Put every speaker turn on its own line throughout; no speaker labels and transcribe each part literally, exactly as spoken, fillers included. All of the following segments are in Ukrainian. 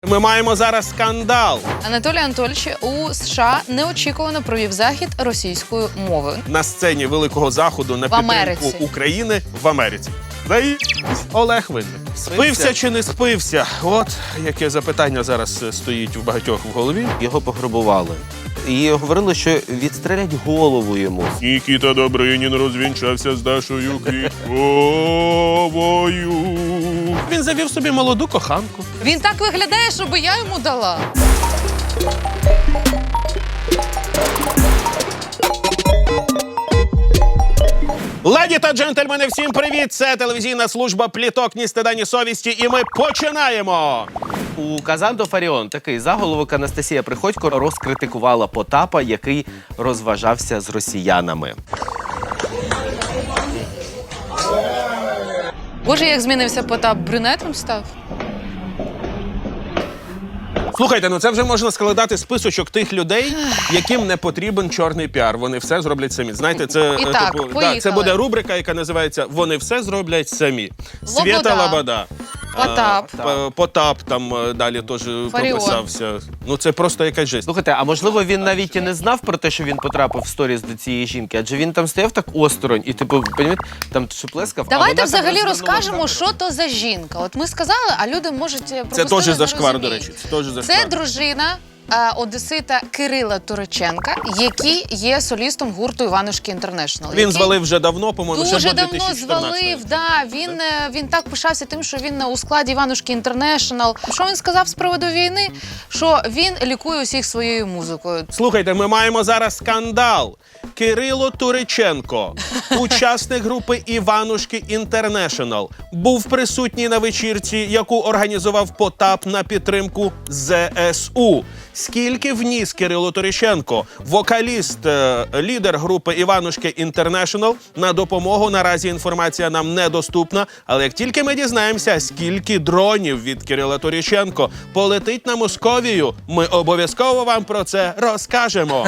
Ми маємо зараз скандал.
Анатолій Анатольович у США неочікувано провів захід російською мовою.
На сцені Великого Заходу на
В
підтримку
Америці.
України в Америці. Заї... Олег Винник. Спився чи не спився? От яке запитання зараз стоїть у багатьох в голові.
Його пограбували. І говорили, що відстрелять голову йому.
Нікіта Добринін розвінчався з Дашою Квітковою. Він завів собі молоду коханку.
Він так виглядає, щоб я йому дала.
Леді та джентльмени, всім привіт! Це телевізійна служба «Пліток, ні стида, ні совісті» і ми починаємо!
У Казанто Фаріон такий заголовок Анастасія Приходько розкритикувала Потапа, який розважався з росіянами.
Боже, як змінився Потап, брюнетом став?
Слухайте, ну це вже можна складати списочок тих людей, яким не потрібен чорний піар. Вони все зроблять самі. Знаєте, це,
І так,
типу,
поїхали.
да, це буде рубрика, яка називається «Вони все зроблять самі».
Лобода.
Свєта Лобода.
Потап.
А, П- Потап там е, далі теж прописався. Ну це просто якась жесть.
Слухайте, а можливо він навіть і не знав про те, що він потрапив в сторіс до цієї жінки, адже він там стояв так осторонь і, типу, понімаєте, там шеплескав.
Давайте
а вона
взагалі
так
розкажемо,
розвернула
що то за жінка. От ми сказали, а люди можуть
Це
пропустили,
теж
не
зашквар, до
розуміють.
речі. Це теж зашквар.
Це дружина е, одесита Кирила Туриченка, який є солістом гурту «Іванушки Інтернешнл».
Він звалив вже давно, по-моєму, ще
Дуже
до
давно
дві тисячі чотирнадцятого.
звалив, да. Він, е, він так пишався тим, що він у складі «Іванушки Інтернешнл». Що він сказав з приводу війни? Що він лікує усіх своєю музикою.
Слухайте, ми маємо зараз скандал. Кирило Туриченко, учасник групи «Іванушки Інтернешнл», був присутній на вечірці, яку організував Потап на підтримку зе ес у. Скільки вніс Кирило Туриченко, вокаліст, е, лідер групи «Іванушки Інтернешнл», на допомогу наразі інформація нам недоступна, але як тільки ми дізнаємося, скільки дронів від Кирила Туриченко полетить на Московію, ми обов'язково вам про це розкажемо.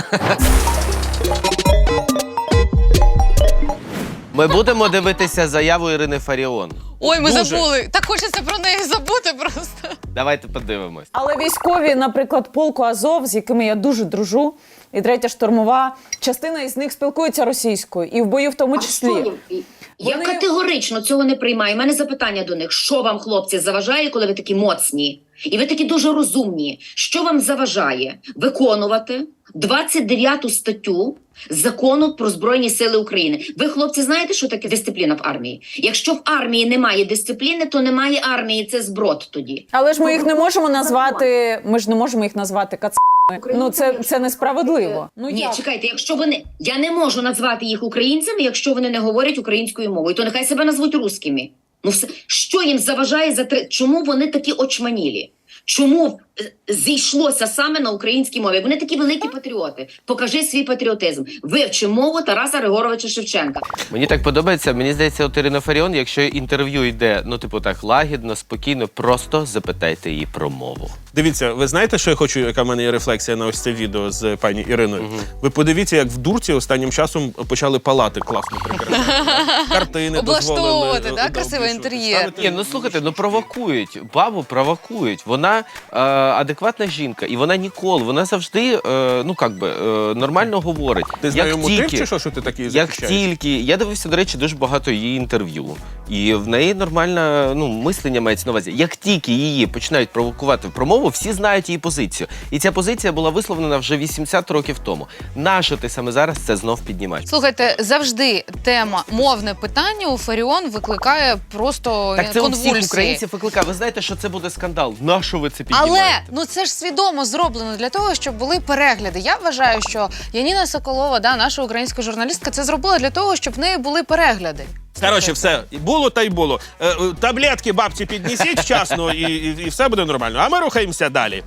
Ми будемо дивитися заяву Ірини Фаріон.
Ой, ми
Дуже.
забули. Так хочеться про неї забути просто.
Давайте подивимось.
Але військові, наприклад, полку Азов, з якими я дуже дружу, і третя штурмова, частина із них спілкується російською, і в бою в тому числі.
А що? Я
Вони-
категорично цього не приймаю. У мене запитання до них. Що вам, хлопці, заважає, коли ви такі моцні? І ви такі дуже розумні. Що вам заважає виконувати двадцять дев'яту статтю Закону про Збройні Сили України? Ви, хлопці, знаєте, що таке дисципліна в армії? Якщо в армії немає дисципліни, то немає армії. Це зброд тоді.
Але ж ми їх не можемо назвати, ми ж не можемо їх назвати кацами. Ну, це, це несправедливо. Ну,
Ні,
як?
чекайте, якщо вони... Я не можу назвати їх українцями, якщо вони не говорять українською мовою, то нехай себе назвуть русскими. Ну, все. Що їм заважає за три... Чому вони такі очманілі? Чому е, зійшлося саме на українській мові? Вони такі великі патріоти. Покажи свій патріотизм. Вивчи мову Тараса Григоровича Шевченка.
Мені так подобається, мені здається, от Ірина Фаріон, якщо інтерв'ю йде, ну, типу так, лагідно, спокійно, просто запитайте її про мову.
Дивіться, ви знаєте, що я хочу, яка в мене є рефлексія на ось це відео з пані Іриною? Угу. Ви подивіться, як в Дурці останнім часом почали палати класно прикрашати. Картини
Облаштовувати,
дозволили.
да,
да,
красивий
обвішувати,
інтер'єр.
ставити.
Ні, ну слухайте, ну провокують, бабу провокують. Вона е, адекватна жінка, і вона ніколи, вона завжди, е, ну, як би, е, нормально говорить.
Ти з
Як
нею мутив
тільки-
чи що, що ти такий
Як
захищаєш?
тільки, я дивився, до речі, дуже багато її інтерв'ю. І в неї нормальне, ну, мислення мається на увазі. Як тільки її починають провокувати в промову, всі знають її позицію. І ця позиція була висловлена вже вісімдесят років тому. Нащо ти саме зараз це знов піднімаєш?
Слухайте, завжди тема мовне питання у Фаріон викликає просто
Так це у
конвульсії.
всіх українців викликає. Ви знаєте, що це буде скандал. Нащо ви це піднімаєте?
Але ну це ж свідомо зроблено для того, щоб були перегляди. Я вважаю, що Яніна Соколова, да, наша українська журналістка, це зробила для того, щоб в неї були перегляди.
Коротше, все, було та й було. Е, е, таблетки бабці піднесіть вчасно і, і, і все буде нормально. А ми рухаємося далі.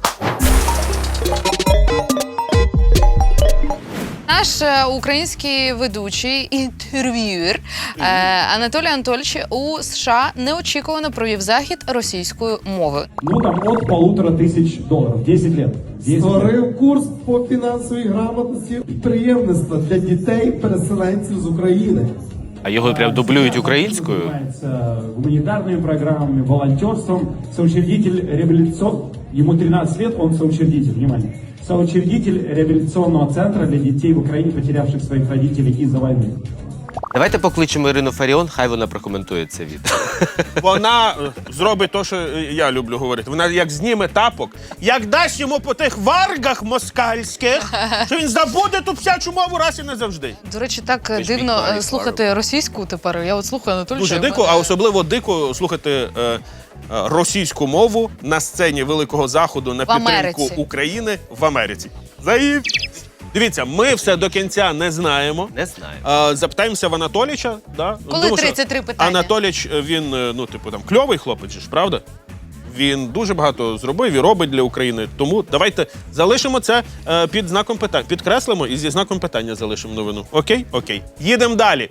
Наш е, український ведучий, інтерв'юер е, Анатолій Анатольович у США неочікувано провів захід російською мовою.
Ну, там от полутора тисяч доларів. десять лет. десять лет.
Створив курс по фінансовій грамотності підприємництва для дітей-переселенців з України.
А його прям дублюють українською?
Занимается гуманитарными программами, волонтерством, соучредитель реабилитационного Ему тринадцать лет, он соучредитель, внимание. Соучредитель реабилитационного центра для детей в Украине, потерявших своих родителей из-за войны.
Давайте покличемо Ірину Фаріон, хай вона прокоментує це відео.
Вона е, зробить те, що е, я люблю говорити. Вона як зніме тапок, як дасть йому по тих варгах москальських, що він забуде ту псячу мову раз і назавжди.
До речі, так
Візьміть
дивно е,
Марі
слухати російську тепер. Я от слухаю Анатолія.
Дуже дико, а особливо дико слухати е, е, російську мову на сцені Великого Заходу на
В
підтримку
Америці.
України в Америці. Заїв. Дивіться, ми все до кінця не знаємо.
Не знаю.
Е, Запитаємося в Анатоліча. Да?
Коли
Тому що
тридцять три питання?
Анатоліч, е, він, е, ну, типу, там, кльовий хлопець, же ж, правда? Він дуже багато зробив і робить для України. Тому давайте залишимо це е, під знаком питання. Підкреслимо і зі знаком питання залишимо новину. Окей? Окей. Їдемо далі.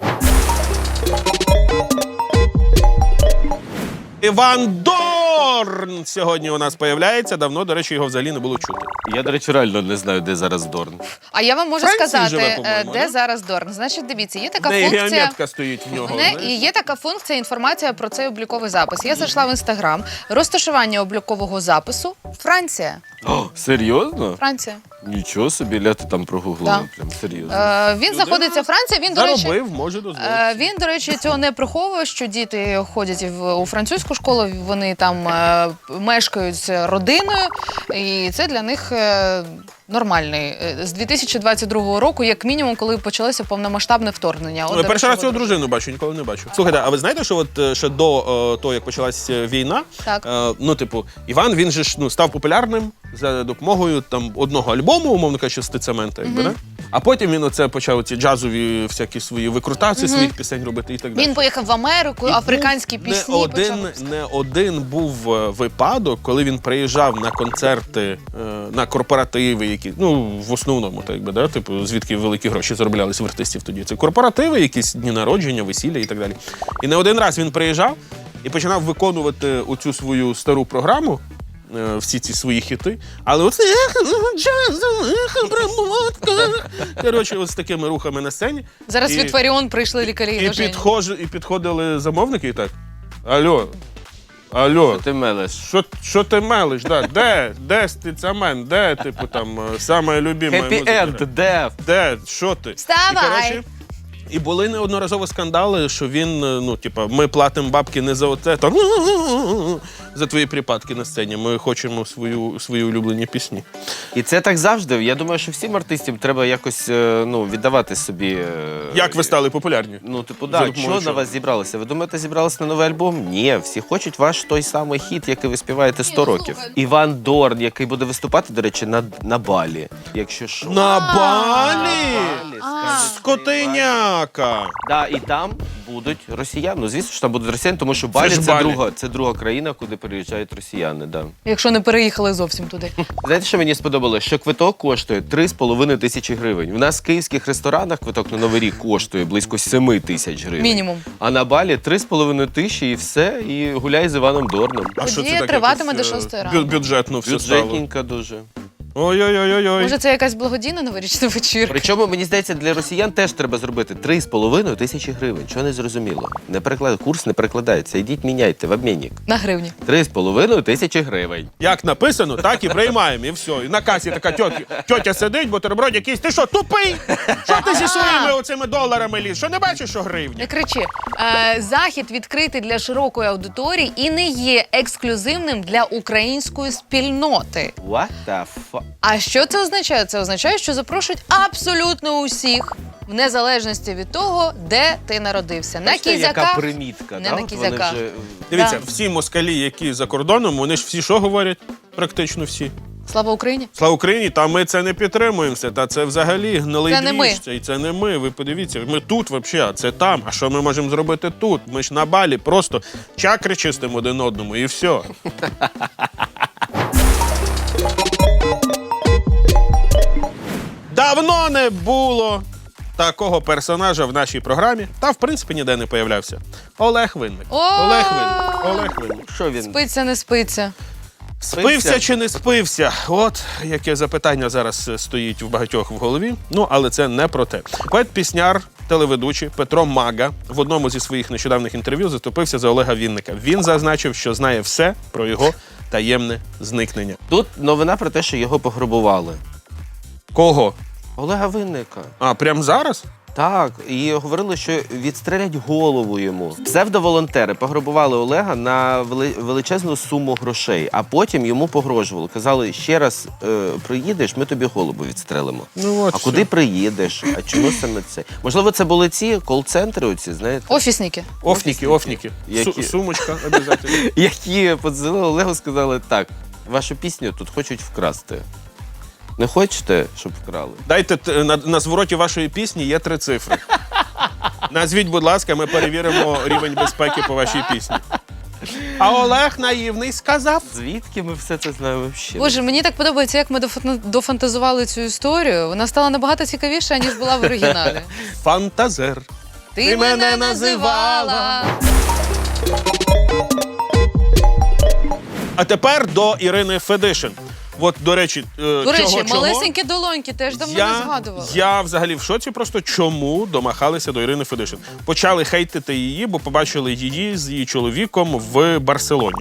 Іван Дорн сьогодні у нас появляється. Давно, до речі, його взагалі не було чути.
Я, до речі, реально не знаю, де зараз Дорн.
А я вам можу
Франції
сказати,
живе,
е,
по-моєму,
де
да?
зараз Дорн. Значить, дивіться, є така
В неї
функція.
геометка стоїть в нього.
Не,
знаєш?
і є така функція інформація про цей обліковий запис. Я зайшла в інстаграм. Розташування облікового запису Франція.
О, серйозно?
Франція.
Нічого собі, ля ти там прогуглила.
Да.
Прям серйозно.
Е, він знаходиться Франція. Він, до речі,
Заробив, може дозволити.
Е, Він, до речі, цього не приховує, що діти ходять в, у французьку школу, вони там е, мешкають з родиною, і це для них е, нормальний. Е, З дві тисячі двадцять другого року, як мінімум, коли почалося повномасштабне вторгнення. От,
Ну,
до
я перший
речі,
раз цю
от-
дружину бачу, ніколи не бачу. Слухайте, а ви знаєте, що от е, ще до е, того, як почалась е, війна,
Так.
е, ну, типу, Іван, він же ж ну, став популярним за допомогою там одного альбому, умовно кажучи, стицемента, якби, да? А потім він оце почав ці джазові всякі свої викрутації своїх пісень робити і так далі.
Він поїхав в Америку,
І
африканські
був
пісні
Не один,
почав.
не один був е, випадок, коли він приїжджав на концерти, е, на корпоративи, які, ну, в основному, так би, да, типу, звідки великі гроші зароблялись в артистів тоді. Це корпоративи, якісь дні народження, весілля і так далі. І не один раз він приїжджав і починав виконувати оцю свою стару програму, е, всі ці свої хіти, але оце джазова обработка. Коротше, ось з такими рухами на сцені.
Зараз
І-
від Фаріон прийшли лікарі.
І,
до Жені.
підхож, і підходили замовники і так. Алло, алло,
Ти мелеш.
що, що ти мелиш? Да? Де? Де стицамен? Де, типу, там, е, саме любима
Хеппі
музика?
енд, дев.
Де? Що ти?
Вставай!
І, коротше, і були неодноразово скандали, що він, е, ну, типа, ми платимо бабки не за оце, там, за твої припадки на сцені. Ми хочемо свою, свої улюблені пісні.
І це так завжди. Я думаю, що всім артистам треба якось е, ну, віддавати собі. е,
Як ви стали популярні?
Ну, типу,
За
да,
допомогою
що на
чого?
вас зібралося? Ви думаєте, зібралися на новий альбом? Ні, всі хочуть ваш той самий хіт, який ви співаєте сто
ну,
років.
слухай.
Іван Дорн, який буде виступати, до речі, на, на Балі. Якщо що.
На Балі!
Балі, скажуть,
Скотиняка!
Да, і там будуть росіяни. Ну, звісно, що там будуть росіяни, тому що
Це
Балі
ж
це,
Балі.
друга, це друга країна, куди переїжджають росіяни. Да.
Якщо не переїхали зовсім туди.
Знаєте, що мені сподобалось? Що квиток коштує три з половиною тисячі гривень. У нас в київських ресторанах квиток на Новий рік коштує близько семи тисяч гривень.
Мінімум.
А на Балі три з половиною тисячі і все, і гуляй з Іваном Дорном.
А що це
Подія
таке?
триватиме
Якось,
до
е,
шостої
бю-
ранку.
Бюджетно все стало.
Бюджетненько дуже.
Ой-ой-ой-ой.
Може, це якась благодійна новорічна вечірка?
Причому, мені здається, для росіян теж треба зробити три з половиною тисячі гривень. Чого не зрозуміло? Не переклад... Курс не перекладається. Йдіть, міняйте в обмінник.
На гривні.
Три з половиною тисячі гривень.
Як написано, так і приймаємо, і все. І на касі така тьотя, тьотя сидить, бутерброд якийсь. Ти що, тупий? Що ти зі своїми оцими доларами ліз? Що не бачиш, що гривня?
Не кричи. Е, захід відкритий для широкої аудиторії і не є ексклюзивним для української спільноти.
What the fuck?
А що це означає? Це означає, що запрошують абсолютно усіх, в незалежності від того, де ти народився. На
Бачите, яка
кізяках,
примітка,
не
да?
на
От вони
кізяках.
вже...
Дивіться,
Да.
всі москалі, які за кордоном, вони ж всі що говорять? Практично всі.
Слава Україні!
Слава Україні, та ми це не підтримуємося. Та це взагалі гнилий
Це не ми.
двіж, це, і це не ми. Ви подивіться, ми тут взагалі, а це там. А що ми можемо зробити тут? Ми ж на Балі просто чакри чистимо один одному і все. Давно не було такого персонажа в нашій програмі, та в принципі ніде не появлявся. Олег Винник.
О!
Олег Винник. Олег Винник.
Що він?
Спиться, не спиться.
Спився чи не спився? От яке запитання зараз е, стоїть у багатьох в голові. Ну, але це не про те. Поет-пісняр, телеведучий Петро Мага в одному зі своїх нещодавних інтерв'ю заступився за Олега Вінника. Він зазначив, що знає все про його таємне зникнення.
Тут новина про те, що його пограбували.
Кого?
Олега Винника.
А, прямо зараз?
Так, і говорили, що відстрелять голову йому. Псевдоволонтери пограбували Олега на вели- величезну суму грошей, а потім йому погрожували. Казали, ще раз е, приїдеш, ми тобі голову відстрелимо.
Ну, от
а
все.
куди приїдеш? А чому саме це? Можливо, це були ці кол-центри оці, знаєте?
Офісники.
Офніки, офніки.
Які?
Су- сумочка, обов'язково.
Які подзвонили Олегу, сказали, так, вашу пісню тут хочуть вкрасти. Не хочете, щоб вкрали?
Дайте т- на, на звороті вашої пісні є три цифри. Назвіть, будь ласка, ми перевіримо рівень безпеки по вашій пісні. А Олег наївний сказав.
Звідки ми все це знаємо взагалі?
Боже, мені так подобається, як ми дофан- дофантазували цю історію. Вона стала набагато цікавіша, ніж була в оригіналі.
Фантазер.
Ти,
Ти мене
мене
називала.
називала.
А тепер до Ірини Федишин. От, до речі, е,
До речі,
чого, чого?
малесенькі долоньки теж давно не
Я,
згадували.
я взагалі в шоці просто, чому домахалися до Ірини Федишин. Почали хейтити її, бо побачили її з її чоловіком в Барселоні.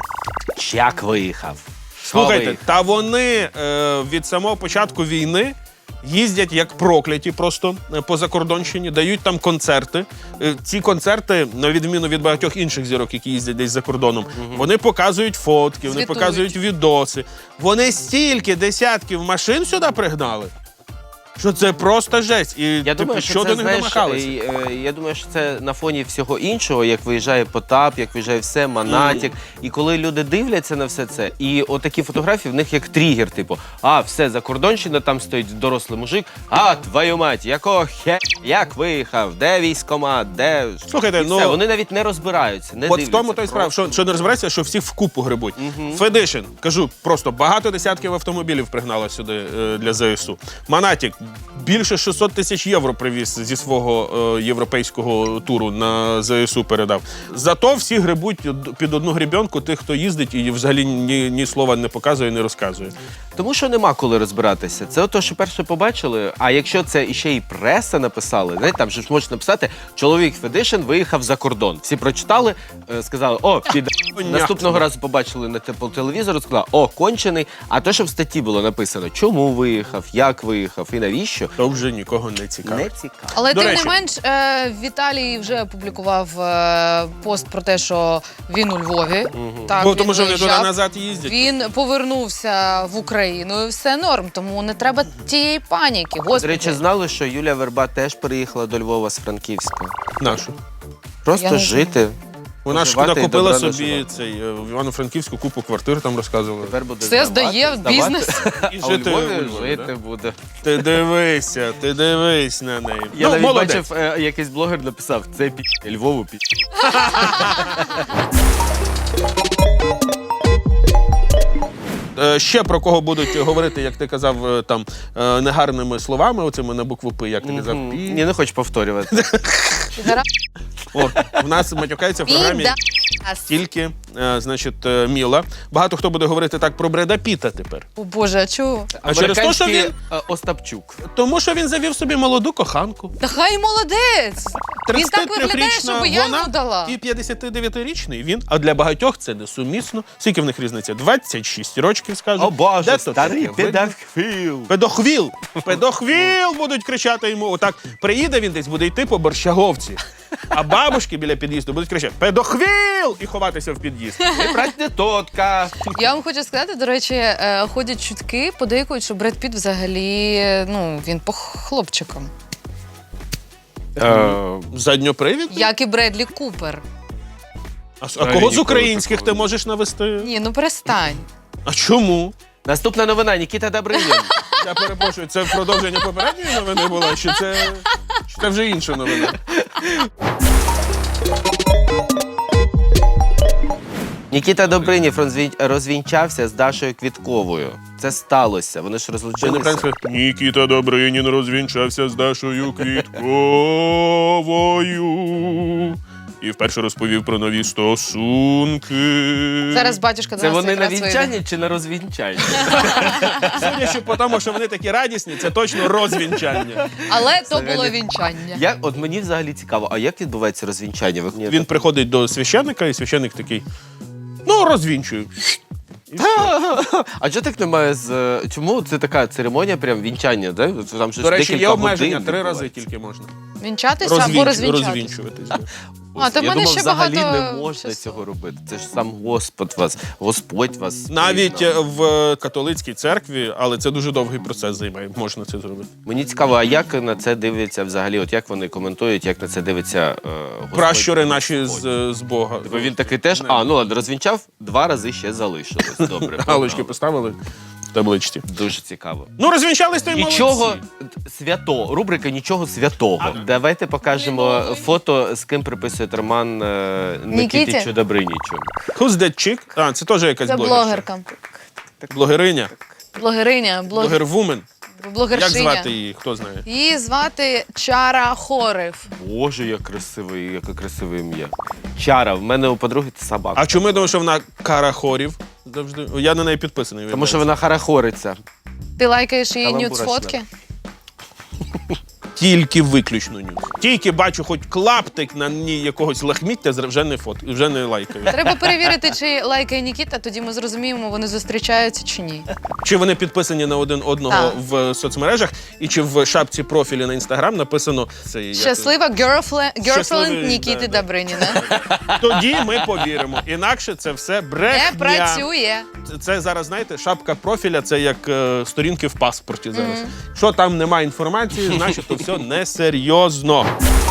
Як виїхав?
Слухайте,
Виїхав?
та вони е, від самого початку війни їздять як прокляті просто е, по закордонщині, дають там концерти. Е, ці концерти, на відміну від багатьох інших зірок, які їздять десь за кордоном, вони показують фотки, вони
Звітують.
показують відоси. Вони стільки десятків машин сюди пригнали, що це просто жесть. І
Я
типу,
думаю, що
що
це,
до них
знаєш,
домахалися?
е, е, я думаю, що це на фоні всього іншого, як виїжджає Потап, як виїжджає все, Монатік. І коли люди дивляться на все це, і отакі фотографії в них як тригер, типу, а, все, закордонщина, там стоїть дорослий мужик, а, твою мать, якого хе, як виїхав, де військкомат, де...
Слухайте,
І
ну,
все, вони навіть не розбираються, не
От в
дивляться.
тому той справа, що, що не розбирається, що всіх вкупу грибуть. Федишин, кажу, просто багато десятків автомобілів пригнала сюди е, для ЗСУ. Монатік більше шістсот тисяч євро привіз зі свого е, європейського туру на ЗСУ передав. Зато всі грибуть під одну грібенку тих, хто їздить і взагалі ні, ні слова не показує, не розказує.
Тому що нема коли розбиратися. Це ото, що перше побачили, а якщо це іще і преса написали, знаєте, там же ж можна написати, чоловік Федишин виїхав за кордон. Всі прочитали, е, сказали, о, під... Наступного разу побачили на те- по телевізору, сказали, о, кончений. А то, що в статті було написано, чому виїхав, як виїхав і навіщо,
То вже нікого не цікаво.
не цікаво.
Але
До
тим
речі.
не менш, е, Віталій вже опублікував е, пост про те, що він у Львові. Так,
Бо
він
тому що вони
виїжджав.
туди-назад їздять.
Він повернувся в Україну і все норм, тому не треба тієї паніки.
До
Господи.
речі, знали, що Юлія Верба теж переїхала до Львова з Франківська.
Нашу.
Просто
Я не
жити.
Вона ж
Поживати і
накупила
добра
собі
наживати.
цей е, в Івано-Франківську купу квартир, там розказували.
Тепер буде
Все
здавати,
здає в
здавати,
бізнес.
І
А у
жити
Львові
у Львові,
жити
да?
буде.
Ти дивися, ти дивись на неї.
Я
Ну,
навіть
молодець.
бачив, е, якийсь блогер написав, це пі... Львову пі...
Е, Ще про кого будуть говорити, як ти казав, е, там е, негарними словами, оцими на букву П, як ти казав.
Мгм.
Пі.
Я не хочу повторювати.
От, в нас матюкається в програмі
Підас.
тільки, е, значить, е, Міла. Багато хто буде говорити так про Бреда Піта тепер.
О Боже, а чого?
А через те, що
Американський,
він,
е, Остапчук.
тому що він завів собі молоду коханку.
Та хай молодець! Він так виглядає,
тридцятитрирічна
щоб я
вона
йому дала.
і п'ятдесятидев'ятирічний він. А для багатьох це несумісно. Скільки в них різниця? двадцять шість років, скажуть.
О Боже,
Де то
старий
таке видно?
педофіл.
Педохвіл! Педохвіл будуть кричати йому. Отак приїде він десь, буде йти по Борщаговці. А бабушки біля під'їзду будуть кричати «Педохвіл!» і ховатися в під'їзд.
Не брать не тотка.
Я вам хочу сказати, до речі, е, ходять чутки, подейкують, що Бред Піт взагалі, ну, він по хлопчикам.
Задньопривід?
Як і Бредлі Купер.
А, а кого з українських ти можеш навести?
Ні, ну перестань.
А чому?
Наступна новина, Нікіта Добринін.
Я перепрошую, це продовження попередньої новини було, чи це, чи це вже інша новина?
Нікіта Добринів розвін- розвінчався з Дашою Квітковою. Це сталося, вони ж
Це не
розлучилися.
правильно. Нікіта Добринін розвінчався з Дашою Квітковою і вперше розповів про нові стосунки.
Зараз батюшка до
Це
нас
вони на
якраз вийде.
вінчанні чи на розвінчанні?
Судячи по тому, що вони такі радісні, це точно розвінчання.
Але то
Взагалі.
було вінчання.
Як, от мені взагалі цікаво, а як відбувається розвінчання? Ви-
Він приходить до священника, і священник такий, ну, розвінчую. І все.
А чого так немає з... е, Чому це така церемонія, прям вінчання, да? Там щось
До речі, є
декілька
обмеження,
годин
три рази
відбувається.
тільки можна.
Вінчатися
Розвінч-
або розвінчатися.
розвінчуватись. да.
А, то в
Я
мене
думав,
ще
взагалі
багато
не можна
часу.
цього робити. Це ж сам Господь вас, Господь вас.
Навіть е,
признав.
в католицькій церкві, але це дуже довгий процес займає, можна це зробити.
Мені цікаво, а як на це дивляться взагалі? От як вони коментують, як на це дивиться е, Господь?
Пращури наші з,
Господь?
з Бога.
Бо він такий теж, а, ну ладно, розвінчав, два рази ще залишилось. Добре.
Галочки
погнали.
поставили в табличці.
Дуже цікаво.
Ну, розвінчались, то й
Нічого
молодці.
свято, рубрика нічого святого. Давайте покажемо фото, з ким приписують роман е,
Нікіті?
Нікітичу Добринічу.
Who's that chick? А, це теж якась
Це
блогерша.
блогерка.
Блогериня.
Блогериня, блогер...
Блогервумен. Як
блогершиня.
звати її, хто знає?
Її звати Чара Хорев.
Боже, як красивий, яке красиве ім'я. Чара, в мене у подруги це собака.
А чому я думаю, що вона карахорів? Завжди. Я на неї підписаний.
Тому що вона харахориться.
Ти лайкаєш її
Каламбура
нюц-фотки?
Тільки виключно нюц. Тільки бачу хоч клаптик на ній якогось лахміття, вже не фот, вже не лайкаю.
Треба перевірити, чи лайкає Нікіта, тоді ми зрозуміємо, вони зустрічаються чи ні.
Чи вони підписані на один одного
Так.
в соцмережах, і чи в шапці профілі на інстаграм написано це як-
Щаслива girlfriend,
Щасливий,
girlfriend Нікіти
да, да.
Добриніна.
Тоді ми повіримо. Інакше це все брехня.
Не працює.
Це, це зараз, знаєте, шапка профіля це як е, сторінки в паспорті зараз. Що там немає інформації, значить то все несерйозно.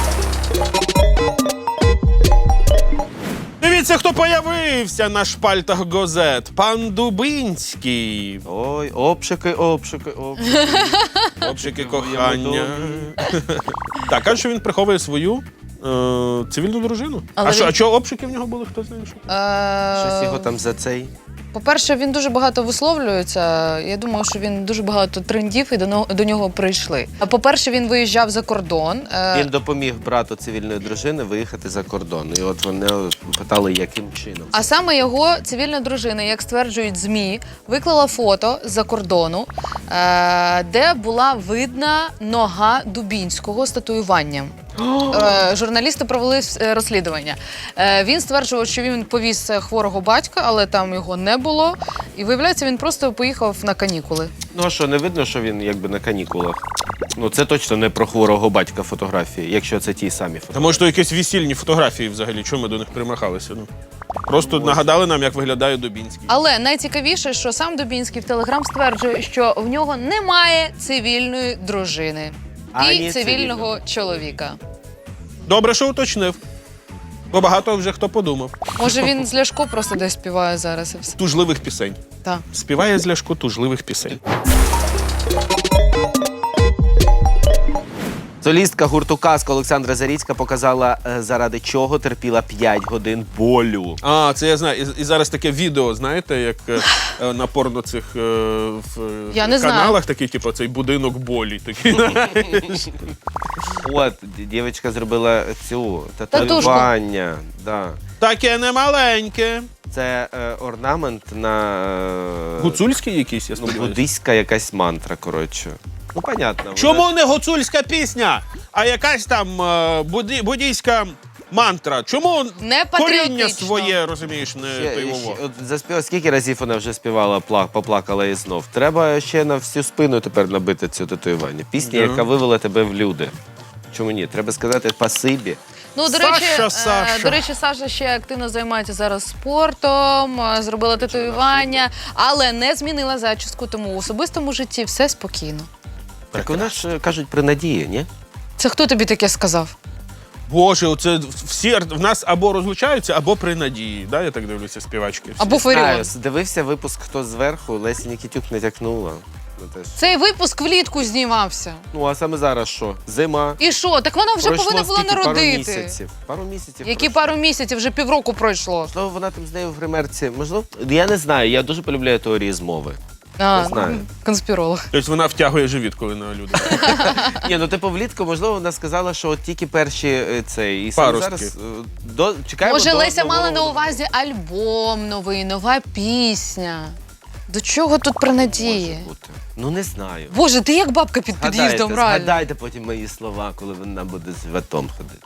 Дивіться, хто появився на шпальтах газет. Пан Дубинський.
Ой, обшики, обшики, обшики.
Общики кохання. Так, каже, що він приховує свою е, цивільну дружину.
Але
а що,
він-
а чого обшики в нього були, хто знає що?
Щось його
Е,
там за цей.
По-перше, він дуже багато висловлюється. Я думаю, що він дуже багато трендів і до, но- до нього прийшли. А по-перше, він виїжджав за кордон. Е,
Він допоміг брату цивільної дружини виїхати за кордон. І от вони питали, яким чином.
А саме його цивільна дружина, як стверджують ЗМІ, виклала фото з-за кордону, е, де була видна нога Дубінського з татуюванням. Е, Журналісти провели е, розслідування. Е, Він стверджував, що він повіз е, хворого батька, але там його не було. І виявляється, він просто поїхав на канікули.
Ну а що, не видно, що він якби на канікулах? Ну це точно не про хворого батька фотографії, якщо це ті самі
Та
фотографії.
може то якісь весільні фотографії взагалі, чому ми до них примахалися? Ну просто нагадали нам, як виглядає Дубінський.
Але найцікавіше, що сам Дубінський в Телеграм стверджує, що в нього немає цивільної дружини
Ані
і цивільного чоловіка.
Добре, що уточнив. Бо багато вже хто подумав.
Може, він з Ляшко просто десь співає зараз і все.
Тужливих пісень.
Так.
Співає з Ляшко тужливих пісень.
Солістка гурту «Казка» Олександра Заріцька показала, е, заради чого терпіла п'ять годин болю.
А, це я знаю. І, і зараз таке відео, знаєте, як е, е, на порно цих е, в е,
Я не знаю.
каналах, такий, типу, цей будинок болі. Такий.
От, д- дівчинка зробила цю татуювання. Да.
Таке немаленьке.
Це е, орнамент на е,
Гуцульський якийсь, я
ну,
сподіваюся.
буддийська якась мантра, коротше. Ну, понятно. вона-
Чому не гуцульська пісня, а якась там е, буді, буддійська мантра? Чому
Не
коріння
патріотично.
своє, розумієш, не
Ще-
тойово?
ще- от заспіва, скільки разів вона вже співала, пла- поплакала і знов. Треба ще на всю спину тепер набити цю татуювання. Пісня,
Да.
яка вивела тебе в люди. Чому ні? Треба сказати спасибі.
Ну, до
Саша,
речі, е,
Саша.
до речі, Саша ще активно займається зараз спортом, е, зробила татуювання, але не змінила зачіску, тому в особистому житті все спокійно.
Так вона ж е, кажуть при надії, ні?
Це хто тобі таке сказав?
Боже, оце всі ар- в нас або розлучаються, або при надії. Да, я так дивлюся, співачки. всі.
Або Фаріон.
Знаю, дивився випуск «Хто зверху», Лесі Нікітюк натякнула. Ну, теж.
Цей випуск влітку знімався.
Ну, а саме зараз що? Зима.
І що? Так вона вже
Пройшло
повинна була
скільки? Пару
народити.
місяців. Пару місяців.
Які
пройшло.
пару місяців, вже півроку пройшло.
Можливо, вона там з нею в гримерці. Можливо, я не знаю, я дуже полюбляю теорії змови.
А,
знаю.
конспіролог.
Тобто вона втягує живіт, коли на люди.
Ні, ну типу влітку, можливо, вона сказала, що от тільки перші е, цей. І саме
Паростки.
зараз е, до, чекаємо
Може,
до
Леся
нового
мала на
року.
увазі альбом новий, нова пісня. До чого тут про надії?
Може бути. Ну не знаю.
Боже, ти як бабка під
Згадайте,
під'їздом, реально.
згадайте потім мої слова, коли вона буде з животом ходити.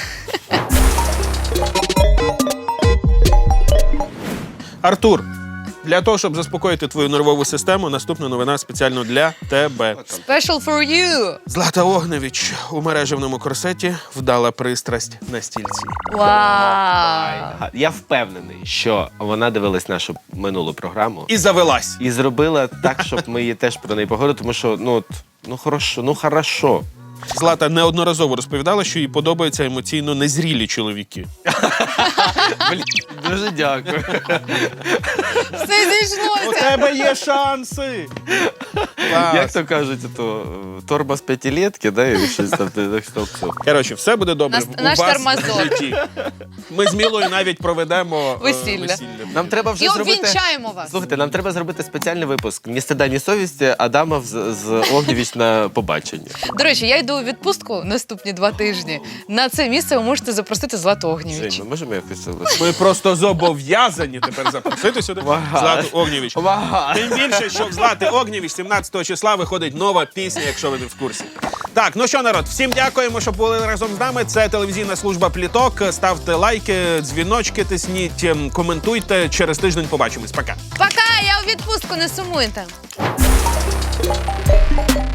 Артур, Для того, щоб заспокоїти твою нервову систему, наступна новина спеціально для тебе.
Special for you!
Злата Огневич у мережевному корсеті вдала пристрасть на стільці.
Вау!
Ага, я впевнений, що вона дивилась нашу минулу програму
І завелась.
і зробила так, щоб ми її теж про неї поговорили, тому що ну от, ну хорошо, ну хорошо.
Злата неодноразово розповідала, що їй подобаються емоційно незрілі чоловіки.
Блін, дуже дякую.
Все
У
зійшлося!
тебе є шанси! Клас.
Як то кажуть, то е, торба з п'ятилетки, да, і щось там так що все.
Коротше, все буде добре
Нас-
у
наш
вас
тормозок.
в житті. Ми з Мілою навіть проведемо е,
Весілля.
Нам треба вже
І
зробити.
обвінчаємо вас!
Слухайте, нам треба зробити спеціальний випуск «Ні стида, ні совісті» Адамов з, з Огнєвіч на побачення.
До речі, я йду у відпустку наступні два тижні. На це місце ви можете запросити Злату Огнєвіч.
Жень, ми можемо якось це
Ми просто зобов'язані тепер запросити сюди
Ага.
Злату Огнєвіч.
Ага.
Тим більше, що в Злати Огнєвіч сімнадцятого числа виходить нова пісня, якщо ви не в курсі. Так, ну що, народ, всім дякуємо, що були разом з нами. Це телевізійна служба Пліток. Ставте лайки, дзвіночки тисніть, ем, коментуйте. Через тиждень побачимось. Пока.
Пока! Я у відпустку, не сумуйте!